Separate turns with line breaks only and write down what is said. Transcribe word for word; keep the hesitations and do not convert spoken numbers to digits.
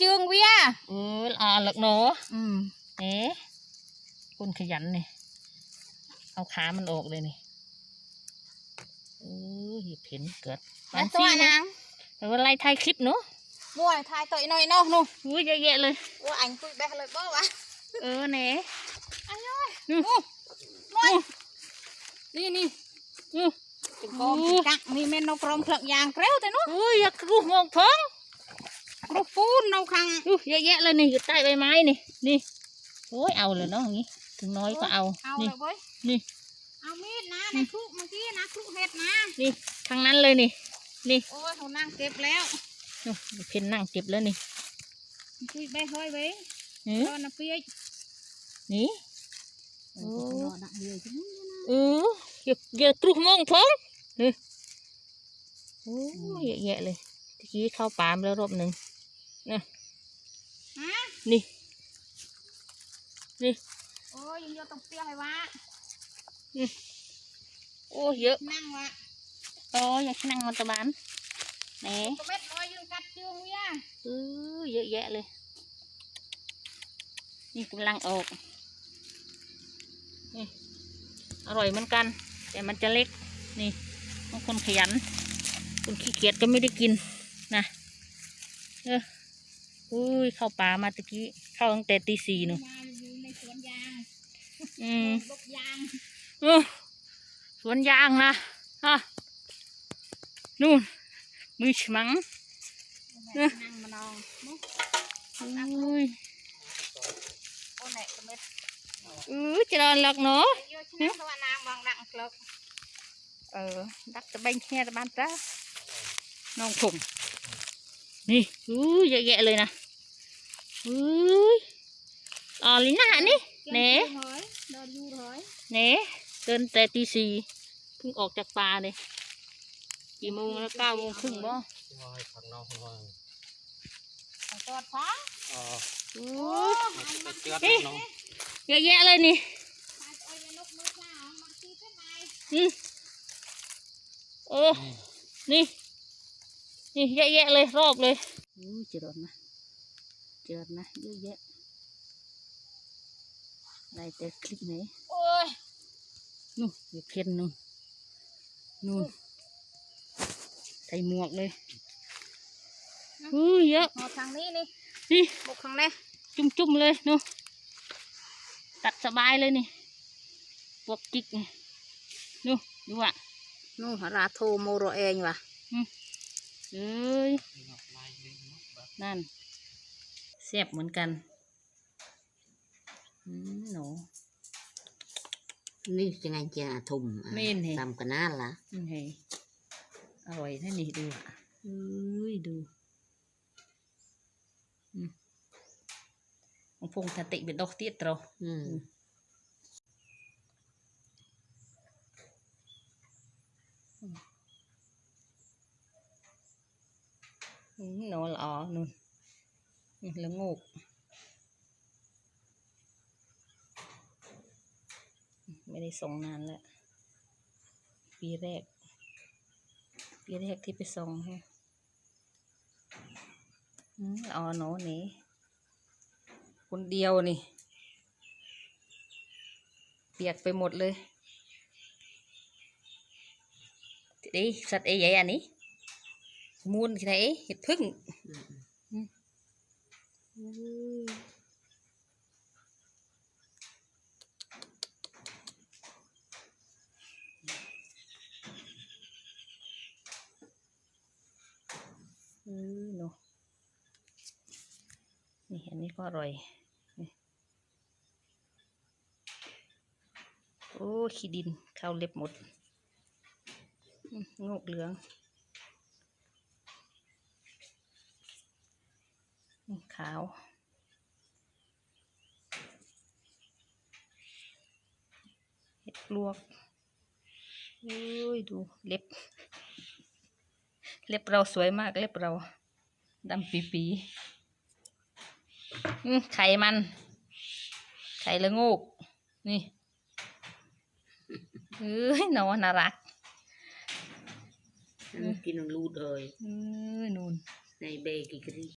chương vía
เอออ่าหลักเนาะ
อืม
เอ๊ะคนขยันนี่เอาขามันออกเลยนี่เออเห็บเห็นเกิด
แล้วตัว
นะ
นาง
แต่ว่าไล่ถ่ายคลิปเนาะ
mua thay tội nói nó nu
อุ้ยเยอะแยะเลย
ủa anh cùi bé lời bó à
เออเน่
anh ơi
อืม
nói
นี่นี่อือ
con
Ủa.
cắt mi men nó from phật vàng kéo thế nó
อุ้ยอยากรู้มองท้อง
nó phun nó khăng
อู้เยอะแยะเลยนี่อยู่ใต้ใบไม้นี่นี่โอ้ยเอาเลยเนาะอย่างงี้ถึงน้อยก็เอา
ao
นี่
rồi với
นี่
ao mít ná này khúc mà kia ná khúc hết ná
นี่ทางนั้นเลยนี่นี่
ôi thằng nàng kẹp léo
นู่นเพนนั่งเก็บแล้วนี่
cùi bé hơi với
หือ
cho nó phía
นี่
nó nặng nhiều chứ
เอออย่าอย่าตรุมองท้องเฮ้ยโอ้ยเยอะแยะเลยตะกี้เข้าป่ามาแล้วรอบหนึ่งนะ
hả
นี่นี่
ôi vô tông phía hay quá
โอ้เยอะ
năng quá
โอ้ยอยากนั่งมันตะบานแหน
có biết nói dương cắt chương vía
เออเยอะแยะเลย นี่กำลังออกนี่อร่อยเหมือนกัน แต่มันจะเล็กนี่บางคนขยันคนขี้เกียจก็ไม่ได้กินนะเอออุ้ยเข้าป่ามาตะกี้เข้าตั้งแต่ตีสี่หนู
มาอยู่ในสวนยาง
อืม
ลูกยาง
เออสวนยางนะฮะนู่นมือฉมัง
นั่งมานอนมุก
อุ้ย
โอ้ไหนก็ไม่
เออจะนอนหลักเนาะ
เยอะชนะตัวนางบางดังกลบ
เออดักตะเบงแค่ตะบานจ้าน้องผมนี่อุ้ยเยอะแยะเลยนะอุ้ยอ๋อลิน่านี่เน่
เฮ้ยเดินอยู่เฮ้ย
เน่เดินแต่ตีสี่เพิ่งออกจากป่าเลยกี่โมงแล้วเก้าโมงครึ่งบ่
ของจอดฟ้า
อุ้
โอ้
ยนี่เยอะแยะเลยนี่
ตายโอ้ยนกมือเปล่ามาตีเป็นไง
อืมโอ้นี่นี่เยอะแยะเลยรอบเลยอู้เจริญนะเจริญนะเยอะแยะได้แต่คลิปไหน
โอ้ย
นู่นอยู่เพียนนู่นนู่นใส่หมวกเลยอู้เยอะ
หอทางนี้นี่
นี่
บุกทางนี้
จุ่มๆเลยนู่นตัดสบายเลยนี่พวกจิกนี่นู่นดูอ่ะ
นู่นราโทโมโรเองว่ะ
เอ้ยนั่นเสียบเหมือนกันอืมหนู
นี่จะไงจะทุ่ม
ไม่เห็นเหรอ
ทำกันน่าละ
นี่ไงอร่อยนะนี่ดูอ่ะเอ้ยดูอืมของพงทติเป็นดอกเตี้ยตรอ
อืม
อืมหนูละอ๋อนู่นนี่ละงูกไม่ได้ส่งนานแล้วปีแรก ปีแรกที่ไปส่งฮะอืมละอ๋อหนูนี่คนเดียวนี่เปียกไปหมดเลยดิสัตว์เอ๋ใหญ่อันนี้มูลที่ไหนเห็ดพึ่งอืมอืมอืมเนาะนี่อันนี้ก็อร่อยนี่โอ้ขี้ดินเข้าเล็บหมดอืมงอกเหลืองนี่ขาวเห็ดลวกโอ้ยดูเล็บ เล็บเราสวยมากเล็บเราดำปีปีอืมไข่มัน ไข่ละงูกนี่เอ้ยน้องน่ารัก
กินลูดเลย
เอ้ยนูน
ในเบกิกรี